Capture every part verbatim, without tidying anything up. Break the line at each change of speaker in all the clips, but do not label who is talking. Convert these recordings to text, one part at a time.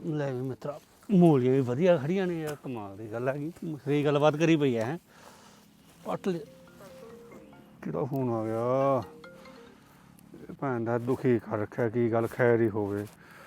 ਲੈ ਵੀ ਮਿੱਤਰਾ ਮੂਲੀਆਂ ਵੀ ਵਧੀਆ ਖੜੀਆਂ ਨੇ ਯਾਰ, ਕਮਾਲ ਦੀ ਗੱਲ ਹੈਗੀ। ਸਹੀ ਗੱਲਬਾਤ ਕਰੀ ਪਈ ਹੈ। ਪੱਟ ਲੈ ਕਿਹੜਾ ਫੋਨ ਆ ਗਿਆ? ਭੈਣ ਦਾ ਦੁਖੀ ਕਰ ਰੱਖਿਆ, ਕੀ ਗੱਲ ਖੈਰ ਹੀ ਹੋਵੇ।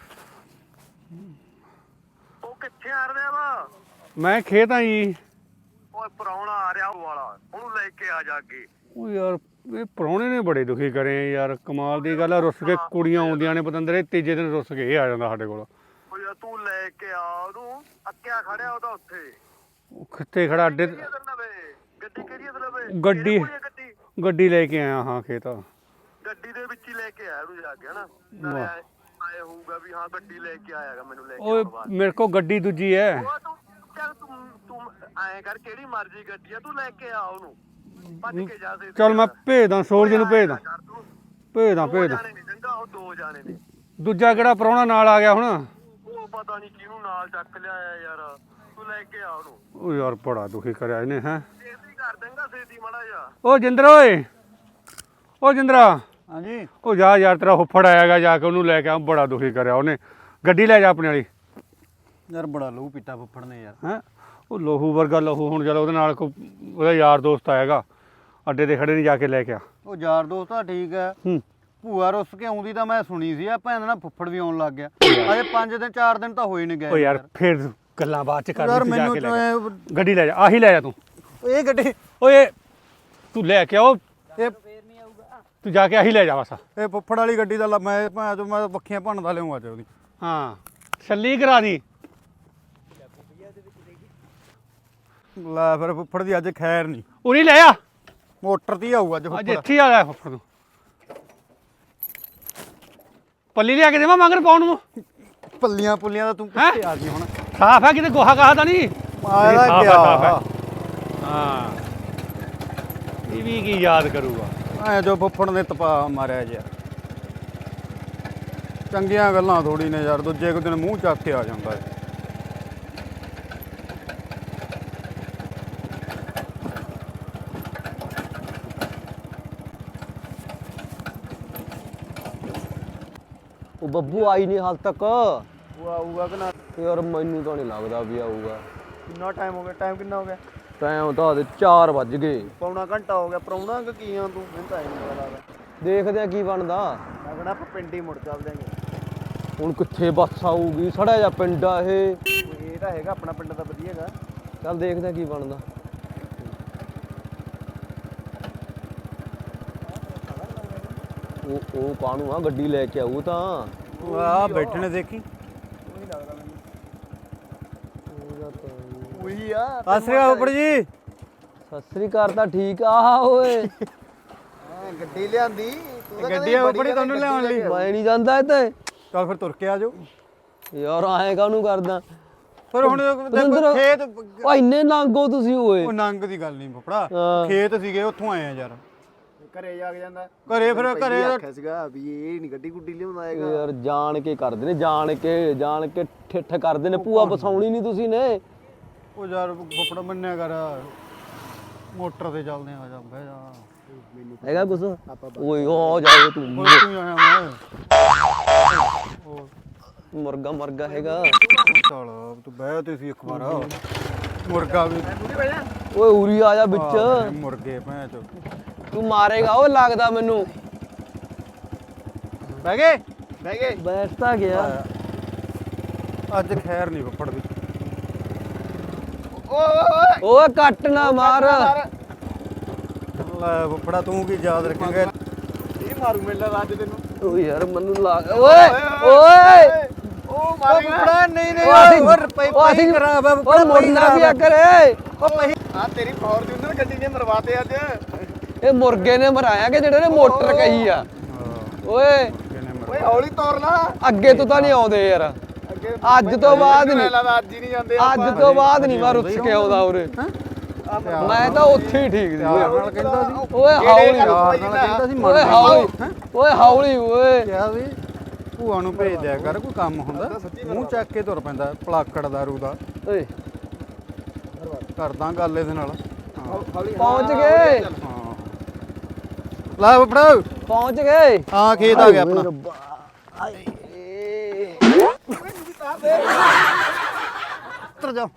ਉਹ ਕਿੱਥੇ ਆ ਰਿਹਾ ਵਾ?
ਮੈਂ ਖੇਤ ਆ ਜੀ।
ਓਏ ਪ੍ਰਾਹੁਣਾ ਆ ਰਿਹਾ ਉਹ ਵਾਲਾ, ਉਹਨੂੰ ਲੈ ਕੇ ਆ ਜਾ ਕੇ।
ਉਹ ਯਾਰ ਇਹ ਪ੍ਰਾਹੁਣੇ ਨੇ ਬੜੇ ਦੁਖੀ ਕਰੇ ਯਾਰ, ਕਮਾਲ ਦੀ ਗੱਲ ਆ। ਰੁੱਸ ਕੇ ਕੁੜੀਆਂ ਆਉਂਦੀਆਂ ਨੇ ਪਤੰਦਰੇ, ਤੀਜੇ ਦਿਨ ਰੁੱਸ ਕੇ ਇਹ ਆ ਜਾਂਦਾ ਸਾਡੇ ਕੋਲ।
ਓ ਯਾਰ ਤੂੰ ਲੈ ਕੇ ਆ ਉਹਨੂੰ, ਅੱਕਿਆ ਖੜਿਆ ਉਹਦਾ ਉੱਥੇ।
ਉਹ ਕਿੱਥੇ ਖੜਾ ਅੱਡੇ?
ਗੱਡੀ ਕਿਹੜੀ ਅਸਲ ਵੇ?
ਗੱਡੀ ਗੱਡੀ ਲੈ ਕੇ ਆਇਆ ਹਾਂ ਖੇਤ।
ਗੱਡੀ ਦੇ ਵਿੱਚ ਹੀ ਲੈ ਕੇ ਆਇਆ ਉਹਨੂੰ ਜਾ ਕੇ, ਹਨਾ? ਨਾਲੇ ਆਏ ਹੋਊਗਾ ਵੀ ਹਾਂ ਗੱਡੀ ਲੈ ਕੇ ਆਇਆਗਾ ਮੈਨੂੰ ਲੈ ਕੇ।
ਓਏ ਮੇਰੇ ਕੋਲ ਗੱਡੀ ਦੂਜੀ ਹੈ।
ਉਹ ਤੂੰ ਚੱਲ ਤੂੰ ਤੂੰ ਐਂ ਕਰ, ਕਿਹੜੀ ਮਰਜ਼ੀ ਗੱਡੀ ਆ, ਤੂੰ ਲੈ ਕੇ ਆ ਉਹਨੂੰ, ਭੱਜ ਕੇ ਜਾ।
ਚੱਲ ਮੈਂ ਭੇਜਦਾ, ਸੂਰਜ ਨੂੰ ਭੇਜਦਾ ਭੇਜਦਾ ਭੇਜਦਾ
ਉਹ ਦੋ ਜਾਣੇ ਨੇ।
ਦੂਜਾ ਕਿਹੜਾ ਪ੍ਰਾਹੁਣਾ ਨਾਲ ਆ ਗਿਆ ਹੁਣ?
ਉਹ ਪਤਾ ਨਹੀਂ ਕਿਹਨੂੰ ਨਾਲ ਚੱਕ ਲਿਆਇਆ ਯਾਰ, ਤੂੰ ਲੈ ਕੇ ਆ ਉਹਨੂੰ।
ਉਹ ਯਾਰ ਬੜਾ ਦੁਖੀ ਕਰਿਆ ਇਹਨੇ। ਹੈ
ਛੇਤੀ ਕਰ ਦੇਂਗਾ, ਛੇਤੀ ਮਾੜਾ ਜਾ।
ਉਹ ਜਿੰਦਰ ਓਏ, ਉਹ ਜਿੰਦਰਾ।
ਹਾਂਜੀ
ਉਹ ਜਾ ਯਾਰ, ਤੇਰਾ ਹੁੱਫੜ ਆਏਗਾ, ਜਾ ਕੇ ਉਹਨੂੰ ਲੈ ਕੇ ਆ। ਬੜਾ ਦੁਖੀ ਕਰਿਆ ਉਹਨੇ। ਗੱਡੀ ਲੈ ਜਾ ਆਪਣੇ ਵਾਲੀ।
ਯਾਰ ਬੜਾ ਲਹੂ ਪੀਤਾ ਫੁੱਫੜ ਨੇ ਯਾਰ।
ਹੈ ਉਹ ਲਹੂ ਵਰਗਾ ਲਹੂ। ਹੁਣ ਚੱਲ ਉਹਦੇ ਨਾਲ ਕੋਈ ਉਹਦਾ ਯਾਰ ਦੋਸਤ ਆਏਗਾ, ਅੱਡੇ ਤੇ ਖੜੇ ਨਹੀਂ, ਜਾ ਕੇ ਲੈ ਕੇ ਆ।
ਉਹ ਯਾਰ ਦੋਸਤ ਤਾਂ ਠੀਕ ਹੈ,
ਹੂੰ
ਭੂਆ ਰੁੱਸ ਕੇ ਆਉਂਦੀ ਤਾਂ ਮੈਂ ਸੁਣੀ ਸੀ। ਆ ਭੈਣ ਨਾਲ ਫੁੱਫੜ ਵੀ ਆਉਣ ਲੱਗ ਗਿਆ। ਅਜੇ ਪੰਜ ਦਿਨ ਚਾਰ ਦਿਨ ਤਾਂ ਹੋਏ ਨਹੀਂ ਗਏ।
ਉਹ ਯਾਰ ਫਿਰ ਗੱਲਾਂ ਬਾਅਦ ਚ ਕਰ।
ਯਾਰ
ਜਾ
ਮੈਨੂੰ
ਕੇ ਲੈ ਜਾ। ਗੱਡੀ ਲੈ ਜਾ, ਆਹੀ ਲੈ ਜਾ ਤੂੰ।
ਇਹ ਗੱਡੀ
ਓਏ ਤੂੰ ਲੈ ਕੇ ਆਓ,
ਇਹ
ਤੂੰ ਜਾ ਕੇ ਆਹੀ ਲੈ ਜਾ ਬਸ।
ਇਹ ਫੁੱਫੜ ਵਾਲੀ ਗੱਡੀ ਦਾ ਲ- ਮੈਂ ਭੈਣ ਚੋਂ ਮੈਂ ਵੱਖੀਆਂ ਭੰਨਦਾ ਲਿਆਉਂ ਅੱਜ ਉਹਦੀ।
ਹਾਂ ਛੱਲੀ ਕਰਾ ਦੀ।
ਲੈ ਫਿਰ ਫੁੱਫੜ ਦੀ ਅੱਜ ਖੈਰ ਨਹੀਂ,
ਉਰੀ ਲੈ ਆ,
ਮੋਟਰ ਤੇ ਹੀ ਆਊ ਅੱਜ
ਅੱਜ
ਫੁੱਫੜ।
ਇੱਥੇ ਆ ਲੈ ਫੁੱਫੜ ਨੂੰ। ਪੱਲੀ ਲਿਆ ਕੇ ਦੇਵਾਂ ਮਗਰ ਪਾਉਣ ਨੂੰ?
ਪੱਲੀਆਂ ਪੁੱਲੀਆਂ ਦਾ ਤੂੰ
ਹੈਂ?
ਕਿੱਥੇ ਆ ਗਈ ਹੁਣ?
ਸਾਫ ਹੈ, ਕਿਤੇ ਗੋਹਾ ਗਾਹ ਤਾਂ ਨਹੀਂ?
ਆਇਆ
ਸਾਫ਼ ਹੈ,
ਗਿਆ
ਸਾਫ਼ ਹੈ। ਹਾਂ ਇਹ ਵੀ ਕੀ ਯਾਦ ਕਰੂਗਾ।
ਐ ਜੋ ਫੁੱਫੜ ਨੇ ਤਪਾ ਮਾਰਿਆ ਜਿਆ। ਚੰਗੀਆਂ ਗੱਲਾਂ ਥੋੜੀ ਨੇ ਯਾਰ, ਦੂਜੇ ਕੁ ਦਿਨ ਮੂੰਹ ਚੱਕ ਕੇ ਆ ਜਾਂਦਾ ਹੈ।
ਉਹ ਬੱਬੂ ਆਈ ਨਹੀਂ ਹਾਲ ਤੱਕ।
ਉਹ ਆਊਗਾ ਕਿ ਨਾ?
ਯਾਰ ਮੈਨੂੰ ਤਾਂ ਨਹੀਂ ਲੱਗਦਾ ਵੀ ਆਊਗਾ।
ਕਿੰਨਾ ਟਾਈਮ ਹੋ ਗਿਆ? ਟਾਈਮ ਕਿੰਨਾ ਹੋ ਗਿਆ?
ਟਾਈਮ ਤਾਂ ਦੇ ਚਾਰ ਵੱਜ ਗਏ।
ਪੌਣਾ ਘੰਟਾ ਹੋ ਗਿਆ। ਪ੍ਰਾਹੁਣਾ ਕਿ ਕੀ ਆ ਤੂੰ? ਮੈਨੂੰ ਤਾਂ ਇਹ ਨਹੀਂ ਪਤਾ ਲੱਗਦਾ।
ਦੇਖਦੇ ਆ ਕੀ ਬਣਦਾ।
ਮੈਂ ਕਹਿੰਦਾ ਆਪਾਂ ਪਿੰਡ ਹੀ ਮੁੜ ਚੱਲਦੇ ਆਂਗੇ।
ਹੁਣ ਕਿੱਥੇ ਬੱਸ ਆਊਗੀ? ਸੜਿਆ ਜਾ ਪਿੰਡ ਆ ਇਹ।
ਇਹ ਤਾਂ ਹੈਗਾ ਆਪਣਾ ਪਿੰਡ ਤਾਂ ਵਧੀਆ ਹੈਗਾ।
ਚੱਲ ਦੇਖਦੇ ਆ ਕੀ ਬਣਦਾ। ਉਹ ਉਹ ਕਾਹਨੂੰ ਆ, ਗੱਡੀ ਲੈ ਕੇ ਆਊ ਤਾਂ।
ਆ ਬੈਠੇ ਨੇ ਦੇਖੀ।
ਉਹੀ ਆ।
ਸਤਿ ਸ੍ਰੀ ਅਕਾਲ ਫੁੱਫੜ ਜੀ।
ਸਤਿ ਸ੍ਰੀ ਅਕਾਲ ਤਾਂ ਠੀਕ ਆ ਓਏ।
ਗੱਡੀ ਲਿਆਂਦੀ। ਗੱਡੀ ਆ ਫੁੱਫੜ ਜੀ ਤੁਹਾਨੂੰ ਲਿਆਉਣ ਲਈ।
ਮੈਂ ਨਹੀਂ ਜਾਂਦਾ ਇੱਥੇ।
ਚੱਲ ਫਿਰ ਤੁਰ ਕੇ ਆ ਜਾਓ।
ਯਾਰ ਆਏ ਕਾਹਨੂੰ ਕਰਦਾ?
ਫਿਰ ਹੁਣ ਦੇਖੋ
ਪਤੰਦਰ-
ਖੇਤ।
ਓ ਇੰਨੇ ਨੰਗੋ ਤੁਸੀਂ ਓਏ।
ਉਹ ਨੰਗ ਦੀ ਗੱਲ ਨਹੀਂ ਫੁੱਫੜਾ,
ਹਾਂ।
ਖੇਤ ਸੀਗੇ ਉੱਥੋਂ ਆਏ ਆ ਯਾਰ।
ਘਰੇ ਜਾ ਕੇ ਜਾਂਦਾ।
ਘਰੇ ਫਿਰ ਘਰੇ
ਆਖਿਆ ਸੀਗਾ ਵੀ ਇਹ ਨਹੀਂ ਗੱਡੀ ਗੁੱਡੀ ਲਿਆਉਂਦਾ ਹੈਗਾ।
ਯਾਰ ਜਾਣ ਕੇ ਕਰਦੇ ਨੇ, ਜਾਣ ਕੇ ਜਾਣ ਕੇ ਠਿੱਠ ਕਰਦੇ ਨੇ। ਭੂਆ ਬਸਾਉਣੀ ਨਹੀਂ ਤੁਸੀਂ ਨੇ।
ਉਹ ਯਾਰ ਫੁੱਫੜ ਮੰਨਿਆ ਕਰ, ਮੋਟਰ ਤੇ ਚੱਲਦੇ ਆ। ਜਾ ਬਹਿ ਜਾ।
ਹੈਗਾ ਕੁਛ? ਓਏ ਹੋ ਜਾਏ ਤੂੰ।
ਉਹ ਤੂੰ ਆਇਆ ਮੈਂ। ਉਹ
ਮੁਰਗਾ ਮਰਗਾ ਹੈਗਾ।
ਚੱਲ ਤੂੰ ਬਹਿ ਤੇ ਸੀ ਇੱਕ ਵਾਰ। ਮੁਰਗਾ ਵੀ
ਓਏ ਉਰੀ ਆ ਜਾ ਵਿੱਚ।
ਆਹ, ਮੁਰਗੇ ਭੈਣ ਚੋ।
ਤੂੰ ਮਾਰੇਗਾ ਉਹ ਲੱਗਦਾ ਮੈਨੂੰ।
ਬਹਿ ਗਏ
ਬਹਿ ਗਏ।
ਬੈਠ ਤਾਂ ਗਿਆ।
ਅੱਜ ਖੈਰ ਨਹੀਂ ਫੁੱਫੜ ਦੀ।
ਓਏ ਕੱਟ ਨਾ ਮਾਰ।
ਲੈ ਫੁੱਫੜਾ ਤੂੰ ਕੀ ਯਾਦ ਰੱਖੇਂਗਾ?
ਇਹ ਮਾਰੂ ਮੇਲਾ ਅੱਜ ਤੈਨੂੰ।
ਓ ਯਾਰ ਮੈਨੂੰ ਲੱਗ ਓਏ ਓਏ
ਉਹ
ਉਹ ਫੁੱਫੜਾ ਨਹੀਂ ਨਹੀਂ
ਉਹ ਅਸੀਂ-
ਹੋਰ ਪਈ
ਉਹ ਅਸੀਂ-
ਪਈ ਖਰਾਬ ਆ
ਓ
ਫੁੱਫੜਾ।
ਮੁਰਗਾ ਵੀ ਆ ਕਰੇ।
ਉਹ ਪਈ
ਆ ਤੇਰੀ ਫੋਰਚੂਨਰ ਗੱਡੀ ਨੇ ਮਰਵਾਤੇ ਅੱਜ।
ਇਹ ਮੁਰਗੇ ਨੇ ਮਰਾਇਆ ਕਿ ਜਿਹੜੇ ਨੇ ਮੋਟਰ ਕਹੀ ਆ। ਓਏ
ਓਏ ਹੌਲੀ ਤੋਰ ਲਾ।
ਅੱਗੇ ਤੋਂ ਤਾਂ ਨਹੀਂ ਆਉਂਦੇ ਯਾਰ।
ਅੱਗੇ
ਅੱਜ ਤੋਂ ਬਾਅਦ ਨਹੀਂ।
ਲੱਗਦਾ ਅੱਜ ਹੀ ਨਹੀਂ ਜਾਂਦੇ।
ਅੱਜ ਤੋਂ ਬਾਅਦ ਨਹੀਂ ਮੈਂ ਰੁੱਸ ਕੇ ਆਉਂਦਾ ਉਰੇ। ਮੈਂ ਤਾਂ ਉੱਥੇ ਹੀ ਠੀਕ ਸੀ।
ਪਿਆਰ ਨਾਲ ਕਹਿੰਦਾ ਸੀ।
ਓਏ ਹੌਲੀ
ਪਿਆਰ ਨਾਲ ਕਹਿੰਦਾ ਸੀ।
ਓਏ ਹੌਲੀ ਓਏ ਹੌਲੀ ਓਏ।
ਕਿਹਾ ਸੀ ਭੂਆ ਨੂੰ ਭੇਜ ਦਿਆ ਕਰ, ਕੋਈ ਕੰਮ ਹੁੰਦਾ ਮੂੰਹ ਚੱਕ ਕੇ ਤੁਰ ਪੈਂਦਾ ਪਲਾਕੜ ਦਾਰੂ ਦਾ।
ਓਏ
ਕਰਦਾ ਗੱਲ ਇਹਦੇ ਨਾਲ।
ਪਹੁੰਚ ਗਏ
ਹਾਂ ਲੈ ਫੁੱਫੜਾ
ਪਹੁੰਚ ਗਏ।
ਹਾਂ ਖੇਤ ਆ ਗਿਆ ਆਪਣਾ। ਉੱਤਰ ਜਾ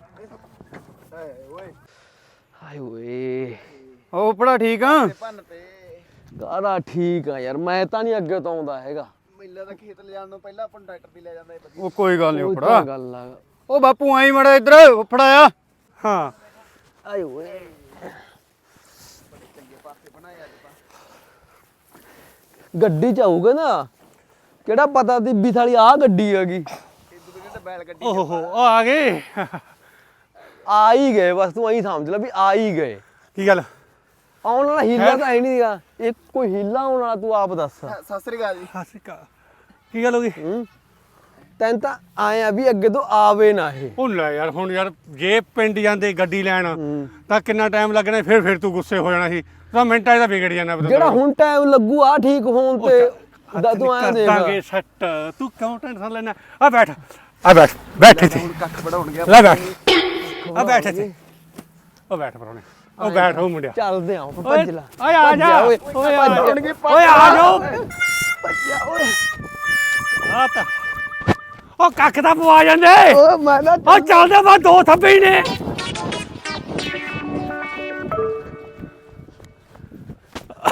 ਹਾਏ ਓਏ
ਉਹ ਫੁੱਫੜਾ ਠੀਕ ਆ
ਭੰਨ ਤੇ
ਗਾਰਾ ਠੀਕ ਆ ਯਾਰ ਮੈਂ ਤਾਂ ਨਹੀਂ ਅੱਗੇ ਤੋਂ ਆਉਂਦਾ ਹੈਗਾ
ਮੇਲਾ ਦਾ ਖੇਤ ਲਿਜਾਣ ਨੂੰ ਪਹਿਲਾਂ ਆਪਾਂ ਨੂੰ ਟਰੈਕਟਰ ਤੇ ਲੈ ਜਾਂਦਾ ਇਹ ਵਧੀਆ
ਉਹ ਕੋਈ ਗੱਲ ਨਹੀਂ
ਉਹ
ਫੁੱਫੜਾ
ਤਾਂ ਗੱਲ ਆ
ਉਹ ਬਾਪੂ ਆਈ ਮੜਾ ਇੱਧਰ ਫੁੱਫੜਾ ਆ
ਹਾਂ
ਆਏ ਓਏ ਗੱਡੀ ਚ ਆਊਗਾ ਨਾ ਕਿਹੜਾ ਪਤਾ ਦੀ ਵੀ ਸਾਲੀ ਆ ਗੱਡੀ ਹੈਗੀ
ਇਹ ਦੂਜੇ ਤੇ ਬੈਲ ਗੱਡੀ
ਓਹੋ ਉਹ ਆ ਗਏ
ਆ ਹੀ ਗਏ ਬਸ ਤੂੰ ਐਂ ਸਮਝ ਲੈ ਵੀ ਆ ਹੀ ਗਏ
ਕੀ ਗੱਲ
ਆਉਣ ਵਾਲਾ ਹੀਲਾ ਤਾਂ ਹੈ ਨਹੀਂਗਾ ਇਹ ਕੋਈ ਹੀਲਾ ਆਉਣ ਵਾਲਾ ਤੂੰ ਆਪ ਦੱਸ
ਸਤਿ ਸ੍ਰੀ ਅਕਾਲ ਜੀ
ਹਾਸਿਕਾ ਕੀ ਗੱਲ ਹੋ ਗਈ
ਹੂੰ ਤੈਨੂੰ ਤਾਂ ਆਏ ਆ ਵੀ ਅੱਗੇ ਤੋਂ ਆਵੇ ਨਾ ਇਹ
ਉਹ ਲੈ ਯਾਰ ਹੁਣ ਯਾਰ ਜੇ ਪਿੰਡ ਜਾਂਦੇ ਗੱਡੀ ਲੈਣ
ਹੂੰ।
ਤਾਂ ਕਿੰਨਾ ਟਾਈਮ ਲੱਗਣਾ ਫਿਰ ਫਿਰ ਤੂੰ ਗੁੱਸੇ ਹੋ ਜਾਣਾ ਸੀ ਤਾਂ ਮਿੰਟਾਂ 'ਚ ਤਾਂ ਵਿਗੜ ਜਾਣਾ
ਜਿਹੜਾ ਹੁਣ ਟਾਈਮ ਲੱਗੂ ਆ ਠੀਕ ਹੋਣ ਤੇ ਦਾ ਤੂੰ ਆਇਆ ਦੇਖ
ਦਾਂਗੇ ਸੱਟ ਤੂੰ ਕਿਉਂ ਟੈਨਸ਼ਨ ਲੈਣਾ ਆ ਬੈਠ ਆ ਬੈਠ ਬੈਠ ਇੱਥੇ
ਕੱਖ ਵੜਾਉਣ ਗਿਆ
ਲੈ ਬੈਠ ਆ ਬੈਠ ਇੱਥੇ ਉਹ ਬੈਠ ਪਰੋਣੇ ਉਹ ਬੈਠ ਉਹ ਮੁੰਡਿਆ
ਚੱਲਦੇ ਆ
ਓਏ
ਭੱਜ ਲੈ
ਓਏ ਆ
ਭੱਜ
ਜਾ
ਓਏ
ਓਏ ਆ ਜਾ
ਭੱਜਣਗੇ,
ਓਏ ਆ ਜਾਓ
ਭੱਜਿਆ ਓਏ
ਆ ਤਾਂ ਉਹ ਕੱਖ ਦਾ ਪਵਾ ਜਾਂਦੇ
ਓ ਮੈਂ ਨਾ
ਉਹ ਚੱਲਦੇ ਬਾ ਦੋ ਥੱਬੇ ਹੀ ਨੇ